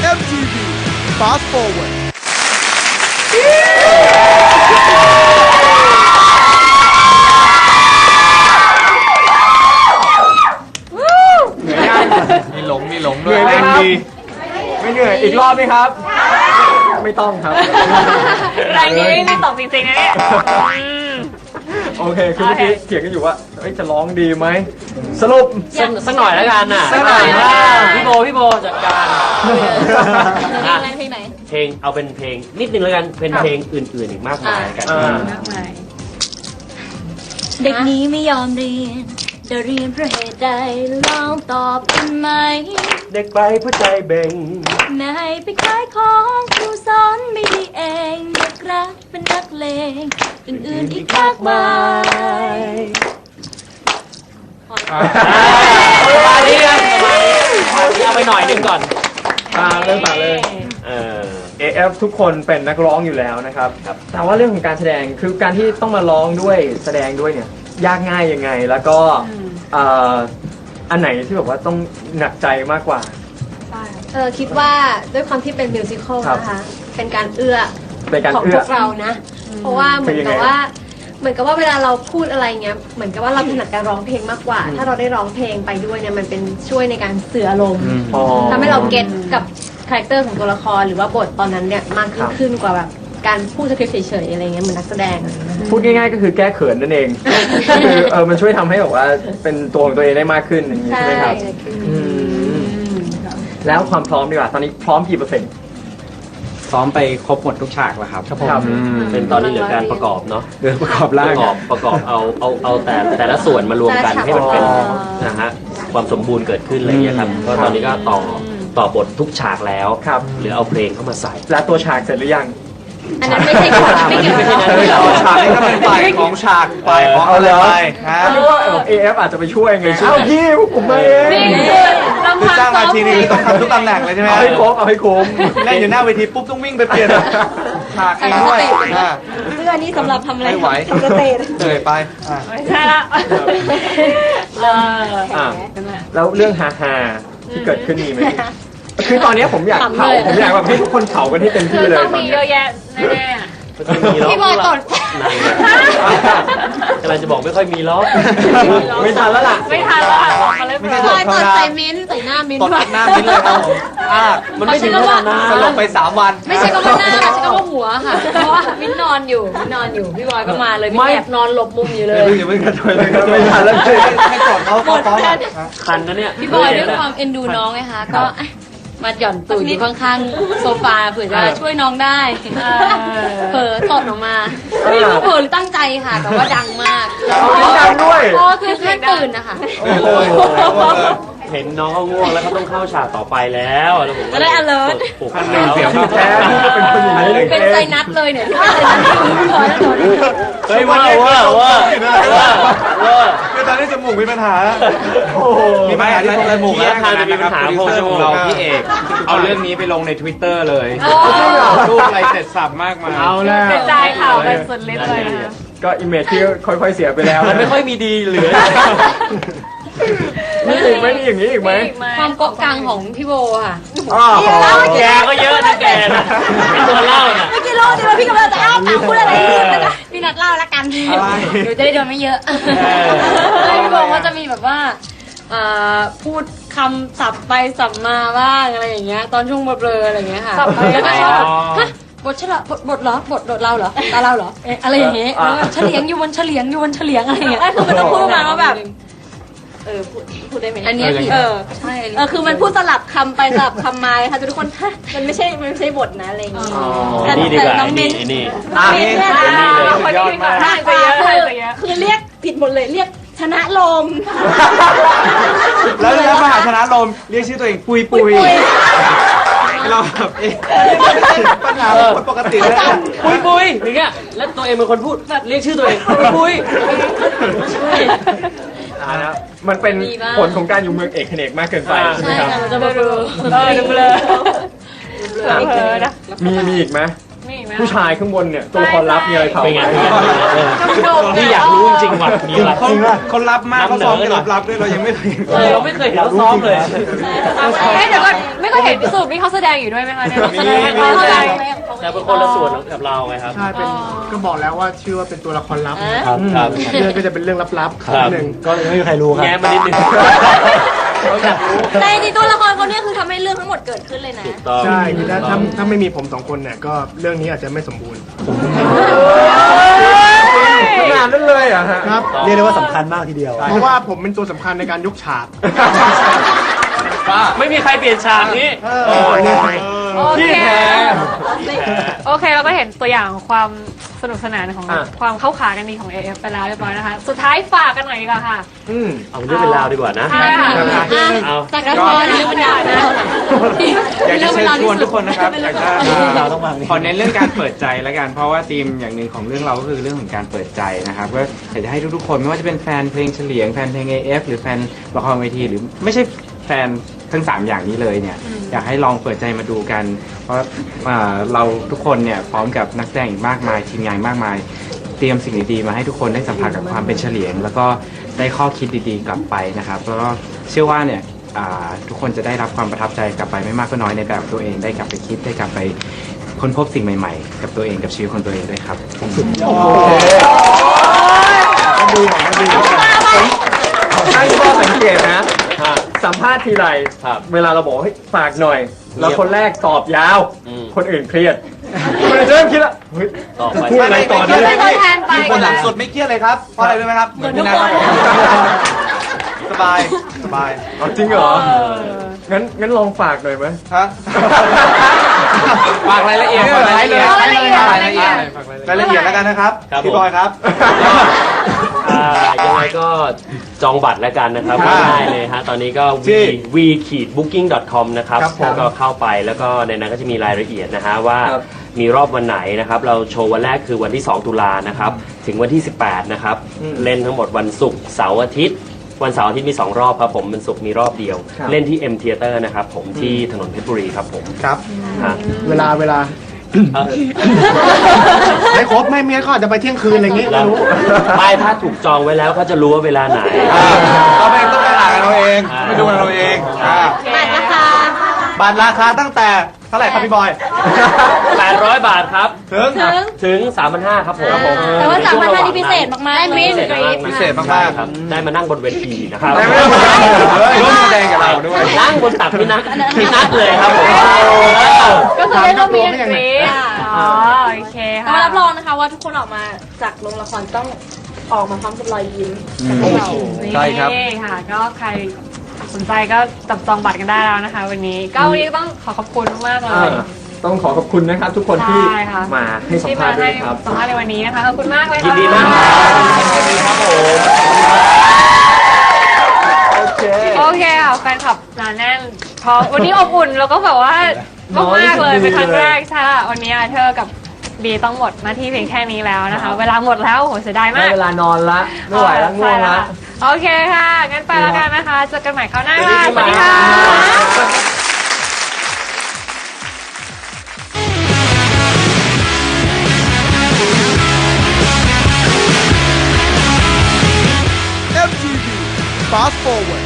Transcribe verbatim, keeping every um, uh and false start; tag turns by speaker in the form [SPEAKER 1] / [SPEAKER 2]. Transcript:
[SPEAKER 1] อ็ม ที วี Fast Forward
[SPEAKER 2] มีหลงมีหลงด้วย
[SPEAKER 3] เหนื่อยไหมครับไม่เหนื่อยอีกรอบไหมครับ ไม่ต้องครับ
[SPEAKER 4] แรงนี้ไม่ตกจริงๆนะเนี่ย
[SPEAKER 3] โอเคคือเมื่อกี้เถียงกันอยู่ว่าเอ้ยจะร้องดีไหมสรุป
[SPEAKER 2] สักสักหน่อยแล้วกันน่ะ
[SPEAKER 3] สักหน่อย
[SPEAKER 2] อ่าพี่โบพี่โบจัดการ
[SPEAKER 4] เพลงอะไรเพลงไหน
[SPEAKER 2] เพลงเอาเป็นเพลงนิดนึงแล้วกันเป็นเพลงอื่นๆอีกมากมายกัน
[SPEAKER 3] อ่า
[SPEAKER 5] เด็กนี้ไม่ยอมเรียนจะเรียนเพราะเหตุใดลองตอบกันไหม
[SPEAKER 2] เด็กไปเพราะใจเบ่ง
[SPEAKER 5] แม่ให้ไปขายของครูสอนไม่ดีเองเด็กรักเป็นนักเลงอื่นๆอีกมากมาย
[SPEAKER 2] ประมาณนี้กันประมาณนี้เอาไปหน่อยนึงก่อน
[SPEAKER 3] ตามเลยตามเลย
[SPEAKER 2] เออ
[SPEAKER 3] เอ เอฟ ทุกคนเป็นนักร้องอยู่แล้วนะครับ
[SPEAKER 2] ครับ
[SPEAKER 3] แต่ว่าเรื่องของการแสดงคือการที่ต้องมาร้องด้วยแสดงด้วยเนี่ยยากง่ายยังไงแล้วก็เอ่ออันไหนที่แบบว่าต้องหนักใจมากกว่า
[SPEAKER 6] เออคิดว่าด้วยความที่เป็นมิวสิควล
[SPEAKER 3] ครับ
[SPEAKER 6] นะคะ เป็นการเอื้อ
[SPEAKER 3] เป็นการ
[SPEAKER 6] ของ
[SPEAKER 3] เอื้
[SPEAKER 6] พ
[SPEAKER 3] อ
[SPEAKER 6] วกเรานะ เพราะว่าเหมือนกับว่า เหมือนกับว่าเวลาเราพูดอะไรเงี้ย เหมือนกับว่าเราถนัดการร้องเพลงมากกว่า ถ้าเราได้ร้องเพลงไปด้วยเนี่ยมันเป็นช่วยในการสื่ออารมณ์
[SPEAKER 3] อ๋อ
[SPEAKER 6] ทำให้เราเก็ตกับคาแรคเตอร์ของตัวละครหรือว่าบทตอนนั้นเนี่ยมากยิ่
[SPEAKER 3] ครั
[SPEAKER 6] ง
[SPEAKER 3] บ
[SPEAKER 6] ขึ้นกว่าแบบการพูดสคริปต์เฉยๆอะไรเงี้ยเหมือนนักแสดงอะไรเงี้ย
[SPEAKER 3] พูดง่ายๆก็คือแก้เขินนั่นเอง ก็คือเออมันช่วยทำให้แบบว่าเป็นตัวของตัวเองได้มากขึ้นอย่างนี้
[SPEAKER 6] ใช่
[SPEAKER 3] ใช่ไหมครับอืมแล้วความพร้อมดีกว่าตอนนี้พร้อมกี่เปอร์เซ็นต์
[SPEAKER 7] ซ้อมไปครบหมดทุกฉากแล้วครับ
[SPEAKER 3] ครับ
[SPEAKER 2] เป็นตอนนี้เหลือการประกอบเนาะ
[SPEAKER 7] เดือประกอบ
[SPEAKER 2] ป
[SPEAKER 7] ร่าง
[SPEAKER 2] ระกอบประกอบเอาเอาเอาแต่แต่ละส่วนมารวมกันให้มันเป็น
[SPEAKER 3] อ๋อ
[SPEAKER 2] นะฮะความสมบูรณ์เกิดขึ้นอะไรอย่างเงี้ยครับก็ตอนนี้ก็ต่อต่อบททุกฉากแล้ว
[SPEAKER 3] ครับ
[SPEAKER 2] หรือเอาเพลงเข้ามาใส่
[SPEAKER 3] แล้วตัวฉากเสร็จหรือยัง
[SPEAKER 6] อันนั้นไม่ใช่คนไม่เกี่ยวกับ
[SPEAKER 2] ไม่ใช่
[SPEAKER 6] เรา
[SPEAKER 2] นั้น
[SPEAKER 7] ฉากนี้ก็เป็นฝ่ายของฉากฝ่ายของอะไรไปครับ
[SPEAKER 3] นึกว่าเอฟอาจจะไปช่วยไงเอ้าพี่พวกผมมาเอง
[SPEAKER 4] นี่คือลำ
[SPEAKER 7] คือ
[SPEAKER 4] พัง
[SPEAKER 7] จ้าง
[SPEAKER 4] ซ้
[SPEAKER 7] มา
[SPEAKER 4] อม
[SPEAKER 7] ที
[SPEAKER 4] เพล
[SPEAKER 7] นี้
[SPEAKER 4] ง
[SPEAKER 7] ต้องทำทุกตำแหน่งเลยใช่ไหม
[SPEAKER 3] เอาให้ครบเอาให้ครบ
[SPEAKER 7] เล่นอยู่หน้าเวทีปุ๊บต้องวิ่งไปเปลี่ยนฉากเองด้วยอ่า
[SPEAKER 6] เสื้อนี่สำหรับทำอะไร
[SPEAKER 7] ไม่ไหว
[SPEAKER 6] ทำสเตจ
[SPEAKER 7] เหนื่อยไปอ่ะ
[SPEAKER 4] ไม่ใช่ละเออ
[SPEAKER 3] อ่ะแล้วเรื่องฮาฮาๆที่เกิดขึ้นมีไหมคือตอนนี้ผมอยากเผาผมอยากแบบให้ทุกคนเผากันให้เต็มที่เลย
[SPEAKER 4] ต้อง
[SPEAKER 3] ตอน
[SPEAKER 4] มี
[SPEAKER 3] นี้
[SPEAKER 4] เยอะแยะแน่
[SPEAKER 6] พี่บอยตด
[SPEAKER 2] กำลังจะบอกไม่ค่อยมีล้อ
[SPEAKER 3] ไม่ทันแล้วล่ะ
[SPEAKER 4] ๆไม่ทันแล้วค่ะออกมาเลย
[SPEAKER 7] ไม่ใช่
[SPEAKER 6] พี่บอยตดใส่มิ้นท์ใส่หน้ามิ้นท์
[SPEAKER 7] ตด
[SPEAKER 6] ด้วย
[SPEAKER 7] หน้ามิ้นเลยครับผมอ่า
[SPEAKER 2] มันไม่ถึงขนาดนั้น
[SPEAKER 7] สลบไปสามวัน
[SPEAKER 5] ไม่ใช่ก็ว่าหน้าใช่ก็ว่าหัวค่ะ เพราะว่ามิ้นนอนอยู่มิ้นนอนอยู่พี่บอยก็มาเลยมิ้นแอบนอนหลบมุมอยู่เลย
[SPEAKER 3] อย่าเพิ่งกระโดดเลยครับไม่ทันแล้วเลย
[SPEAKER 7] ให้จดเขาเขาฟ้องอ่ะ
[SPEAKER 2] คันนะเนี่ย
[SPEAKER 5] พี่บอยด้วยความเอ็นดูน้องไงคะก็อ่ะมาหย่อนตูดอยู่ข้างๆโซฟาเผื่อจะช่วยน้องได้เผลอตดออกมาไม่รู้เผลอหรือตั้งใจค่ะ แต่ว่าดังมาก
[SPEAKER 3] เอาดังด้วย
[SPEAKER 5] พอคือแค่ตื่นนะคะ
[SPEAKER 3] โอ้โห
[SPEAKER 2] เห็นน้องเขาง่วงแล้วเขาต้องเข้าฉากต่อไปแล้วแล้วผมก็
[SPEAKER 5] จะได้ alert
[SPEAKER 2] ปลุก
[SPEAKER 3] คันห
[SPEAKER 2] แล้
[SPEAKER 3] นึ่ง
[SPEAKER 2] ว
[SPEAKER 3] เสียงแท้ที่เป็นคนอย่างนี้เลย
[SPEAKER 5] เป็นใจนัดเลยเนี่ยที่ว่าใจนัดอยู่พี่บอยแล้วโดน
[SPEAKER 2] เฮ้ยว่าว่าว่าว่าว่า
[SPEAKER 7] คือตอนนี้จมูกมีปัญหา
[SPEAKER 3] โอ้โห
[SPEAKER 7] มีปัญหาที่จมูก
[SPEAKER 2] ที่อาคารจะมีปัญหาโพชั่นของเรา
[SPEAKER 7] พี่
[SPEAKER 2] พี่
[SPEAKER 7] เอ
[SPEAKER 2] เอก ก
[SPEAKER 7] เอาเรื่องนี้ไปลงใน Twitter เลยรูปอะไรเสร็จสับมากมาย
[SPEAKER 3] เอาแล้ว
[SPEAKER 4] กระจายข่าวไปสุดฤทธิ์เลยนะ
[SPEAKER 3] ก็อิมเมจที่ค่อยๆเสียไปแล้ว
[SPEAKER 2] มันไม่ค่อยมีดีเหลือ
[SPEAKER 3] มีอีกไหมมีอย่างนี้อีกไหม
[SPEAKER 5] ความเกาะกลางของพี่โบค่ะ
[SPEAKER 3] อ้าว
[SPEAKER 2] แกก็เยอะนะแกนะเป็นตัวเล่าน่ะ
[SPEAKER 5] เมื่อกี้โลดเดียวพี่กำลังจะอ้าปากพูดอะไรรีบเลยนะพี่นัดเล่าละกัน
[SPEAKER 7] อะไร
[SPEAKER 5] เดี๋ยวจะได้โดนไม่เยอะพี่โบก็จะมีแบบว่าอ่าพูดคำสับไปสับมาบ้างอะไรอย่างเงี้ยตอนช่วงเบลอๆอะไรอย่างเงี้ยค่ะ
[SPEAKER 4] สับไป
[SPEAKER 5] แล้วก็ชอบ
[SPEAKER 2] อ๋อ
[SPEAKER 5] ฮะบทเฉลบทบทเหรอบทบทเราเหรอตาเราเหรอเอ๊ะอะไรอย่างเงี้ยแล้วก็เฉลียงอยู่บนเฉลียงอยู่บนเฉลียงอะไรอย่างเงี้ยคือมันจะพูดมาว่าแบบเออพูดพูดได้ไหมอันเนี้ยคือเออใช่เออคือมันพูดสลับคำไปสลับคำมาค่ะทุกคนฮะมันไม่ใช่มันไม่ใช่บทนะอะไรอย่างเงี้ย
[SPEAKER 2] ไอ้นี่ดีกว่า
[SPEAKER 5] น้อง
[SPEAKER 2] ไอ้
[SPEAKER 5] มิ้
[SPEAKER 2] นี่
[SPEAKER 5] น
[SPEAKER 2] ไอ้นี่
[SPEAKER 5] น้องมิ้นเนี่ย
[SPEAKER 2] อ่า
[SPEAKER 4] คนนี้ดีกว่าได้ไปเยอะได้ไปเยอะ
[SPEAKER 5] คือเรียกผิดหมดเลยเรียกชนะลม
[SPEAKER 7] แล้วแล้วมหาชนะลมเรียกชื่อตัวเองปุยปุยเราแบบเอ๊ะปัญหาเป็นคนปกติเลยนะ
[SPEAKER 2] ปุยปุยอย่างเงี้ยแล้วตัวเองเป็นคนพูดเรียกชื่อตัวเองปุยปุยไม่ใช่
[SPEAKER 3] อ่านะมันเป็นผลของการอยู่เมืองเอกเขนกมากเกินไปใช่ไหม
[SPEAKER 5] ใช่
[SPEAKER 3] ครับ
[SPEAKER 5] ค่ะมันจะเบลอ
[SPEAKER 4] เออดูเลยเผลอนะ
[SPEAKER 3] มีมีอีกไหม
[SPEAKER 4] มีอีกไหม
[SPEAKER 3] ผู้ชายข้างบนเนี่ยตัวละครลับมีอะไรเขา
[SPEAKER 2] เป็นไง
[SPEAKER 4] ดมๆ
[SPEAKER 2] นี่อยากรู้จริงๆว่ะมีอะไร
[SPEAKER 7] เขาเขารับมากเขาซ้อมกันลับๆด้วยเรายังไม่เคยเห็น
[SPEAKER 2] เออเราไม่เคยเห็นเขาซ้อมเลย
[SPEAKER 4] เฮ้ยเดี๋ยวก่อนไม่เคยเห็นพิสูจน์นี่เขาแสดงอยู่ด้วยไหมคะเนี่ย
[SPEAKER 7] มี
[SPEAKER 4] แสดงเขาแสดง
[SPEAKER 2] แต่เป็นคนละส่วนกับเราไงครับ
[SPEAKER 1] ใช่เป็นก็บอกแล้วว่าชื่อว่าเป็นตัวละครลับ
[SPEAKER 2] ครับครับ
[SPEAKER 1] เรื่องก็จะเป็นเรื่องลับๆ
[SPEAKER 2] ครับ
[SPEAKER 1] นิดนึง
[SPEAKER 8] ก็ยังไม่มีใครรู้ครับ
[SPEAKER 2] แง้มมานิดนึง
[SPEAKER 5] แต่จริงๆตัวละครคนเนี้ยคือทำให้เรื่องทั้งหมดเกิดขึ้นเลยนะ
[SPEAKER 2] ถูกต้อง
[SPEAKER 1] ใช่คือถ้าถ้าถ้าไม่มีผมสองคนเนี่ยก็เรื่องนี้อาจจะไม่สมบูรณ์
[SPEAKER 3] ขนาดนั้นเลยเหรอ่ะฮะ
[SPEAKER 1] ครับ
[SPEAKER 8] เรียกได้ว่าสำคัญมากทีเดียว
[SPEAKER 1] เพราะว่าผมเป็นตัวสำคัญในการยกฉาก
[SPEAKER 2] ไม่มีใครเปลี่ยนฉากนี้
[SPEAKER 4] โอ
[SPEAKER 3] ที่
[SPEAKER 4] เค
[SPEAKER 3] แท้
[SPEAKER 4] โอเคเราก็เห็นตัวอย่างของความสนุกสนานของ
[SPEAKER 3] อ่ะ
[SPEAKER 4] ความเข้าขากันดีของ เอ เอฟ ไปแล้วเรียบร้อยนะคะ สุดท้ายฝากกันหน่อยดีกว่าค่ะ
[SPEAKER 3] อืม
[SPEAKER 2] เอาเรื่องเป็นราวดีกว่านะ
[SPEAKER 4] ใช่ค่ะ
[SPEAKER 2] เอา
[SPEAKER 5] จากละครเรื่องมันยาวนะ
[SPEAKER 7] อยากจะเชิญชวนทุกคนนะครับอยากจะ
[SPEAKER 8] เราต้องวางนี่
[SPEAKER 7] ขอเน้นเรื่องการเปิดใจแล้วกัน เพราะว่าธีมอย่างหนึ่งของเรื่องเราก็คือเรื่องของการเปิดใจนะครับก็อยากจะให้ทุกๆคนไม่ว่าจะเป็นแฟนเพลงเฉลียงแฟนเพลง เอ เอฟ หรือแฟนละครเวทีหรือไม่ใช่แฟนทั้งสามอย่างนี้เลยเนี่ยอยากให้ลองเปิดใจมาดูกัน เพราะอ่าเราทุกคนเนี่ยพร้อมกับนักแสดงอีกมากมายทีมงานมากมาย เตรียมสิ่งดีๆมาให้ทุกคนได้สัมผัสกับความเป็นเฉลียง แล้วก็ได้ข้อคิดดีๆกลับไปนะครับแล้วก็เชื่อว่าเนี่ยอ่าทุกคนจะได้รับความประทับใจกลับไปไม่มากก็น้อยในแบบตัวเองได้กลับไปคิดได้กลับไปค้นพบสิ่งใหม่ๆ กับตัวเองกับชีวิตของตัวเองด้วยครับ
[SPEAKER 3] ให้ข้อสังเกตนะ สัมภาษณ์ทีไร
[SPEAKER 2] ครับ
[SPEAKER 3] เวลาเราบอกให้ฝากหน่อย แล้วคนแรกตอบยาว
[SPEAKER 2] อืม
[SPEAKER 3] คนอื่นเครียดคนอื่นจะเริ่มคิดละเฮ้ย
[SPEAKER 2] ต่อไป
[SPEAKER 3] พูดอะไรต่อ
[SPEAKER 6] เดี๋
[SPEAKER 3] ดี
[SPEAKER 6] ยวเป็นตัวแทนไป
[SPEAKER 7] คนหลังสุดไม่เครียดเลยครับ เพราะอะไรรู้ไหมครับเหมือนพี่นัทครับสบาย สบาย
[SPEAKER 3] อ๋อจริงเหรอ งั้นงั้นลองฝากหน่อยไหม
[SPEAKER 7] ฮะฝากรายละเอียดฝากรายละเอียด
[SPEAKER 4] รายละเอียด
[SPEAKER 7] รายละเอียดรายละเอียดแล้วกันนะครับ
[SPEAKER 2] ครับ
[SPEAKER 7] พี่บอยครับ
[SPEAKER 2] อ่ายังไงก็จองบัตรแล้วกันนะครับ
[SPEAKER 7] อ่า
[SPEAKER 2] ง่ายๆเลยฮะตอนนี้ก็
[SPEAKER 7] ที่
[SPEAKER 2] v booking dot com นะครับ
[SPEAKER 7] ครับผม
[SPEAKER 2] ก็เข้าไปแล้วก็ในนั้นก็จะมีรายละเอียดนะฮะว่า
[SPEAKER 3] ครับ
[SPEAKER 2] มีรอบวันไหนนะครับ เราโชว์วันแรกคือวันที่ สอง ตุลานะครับ ถึงวันที่ สิบแปด นะครับ
[SPEAKER 3] อืม
[SPEAKER 2] เล่นทั้งหมดวันศุกร์เสาร์อาทิตย์ วันเสาร์อาทิตย์มี สอง รอบครับผมวันศุกร์มีรอบเดียว
[SPEAKER 3] ครับ
[SPEAKER 2] เล่นที่ M Theater นะครับผมที่ถนนเพชรบุรีครับผม
[SPEAKER 7] ครับ
[SPEAKER 2] ฮะ
[SPEAKER 1] เวลาเวลา
[SPEAKER 2] เอ่อ
[SPEAKER 1] ไม่ครบไม่เมียเขาอาจจะไปเที่ยงคืนอะไรอย่างงี้
[SPEAKER 2] แล้
[SPEAKER 1] ไม่
[SPEAKER 2] ว
[SPEAKER 1] รู้
[SPEAKER 2] ไม่ถ้าถูกจองไว้แล้วก็จะรู้ว่าเวลาไหน
[SPEAKER 7] เราเองต้องไปอ่านกันเราเอง
[SPEAKER 2] อ่า
[SPEAKER 7] ไปดูกันเราเองอ่า
[SPEAKER 5] บัตรราคา
[SPEAKER 7] บัตรราคาตั้งแต่เท่าไหร่ครับพี่บอย
[SPEAKER 2] แปดร้อย บาทครับ
[SPEAKER 7] ถึง
[SPEAKER 5] ถึง
[SPEAKER 2] ถึง สามพันห้าร้อย ครับผม
[SPEAKER 5] แต่ว่าสามพันห้านี่พิเศษมากๆ
[SPEAKER 4] ได้มิส
[SPEAKER 5] เลย
[SPEAKER 7] พิเศษมากๆ
[SPEAKER 2] ใช่ครับ ได้มานั่งบนเวทีนะครับ
[SPEAKER 7] ได้ไม่ได้ร่วมแสดงกับเราด้วย
[SPEAKER 2] นั่งบนตักพี่นัทพี่นัทเลยครับผม
[SPEAKER 4] ก็คือได้ร่วมมีอันกรีดอ๋อโอเค
[SPEAKER 5] แต่
[SPEAKER 4] ค่ะ
[SPEAKER 5] ว่ารับรองนะคะว่าทุกคนออกมาจากโรงละครต้องออกมาพร้อมกับรอยยิ้มจากพวกเรา
[SPEAKER 7] ใช่ครับ
[SPEAKER 4] นี่ค่ะ ก็ใครสนใจก็จับจองบัตรกันได้แล้วนะคะ วันนี้ก็วันนี้ต้องขอขอบคุณมากๆเล
[SPEAKER 3] อ่าย ต้องขอขอบคุณนะครับ ทุกคนที่
[SPEAKER 4] ใช่ค่ะ
[SPEAKER 3] มาให้สัม
[SPEAKER 4] ที่
[SPEAKER 3] ภา
[SPEAKER 4] มา
[SPEAKER 3] ษณ์ด้ว
[SPEAKER 4] ให้
[SPEAKER 3] ยครับ
[SPEAKER 4] สัมภาษณ์ในวันนี้นะคะขอบคุณมากเลย
[SPEAKER 2] ยิน
[SPEAKER 4] ค่ะ
[SPEAKER 2] ดีมากครับผม
[SPEAKER 3] โอเค
[SPEAKER 4] โอเคค่ะแฟนคลับหนาแน่นพอวันนี้อบอุ่นแล้วก็แบบว่ามากมากๆเลยเป็นครั้งแรกใช่ค่ะวันนี้เธอกับบีต้องหมดหน้าที่เพียงแค่นี้แล้วนะคะ เวลาหมดแล้วโหเสียดาย
[SPEAKER 3] ได้
[SPEAKER 4] มาก
[SPEAKER 3] เวลานอนละไม่ไหวแล้วง่วงละ
[SPEAKER 4] โอเคค่ะ งั้นไปแล้วกันนะคะ เจอกันใหม่คราวหน้าค่ะสวัสดีค่ะ
[SPEAKER 1] เอ็ม ที วี Fast Forward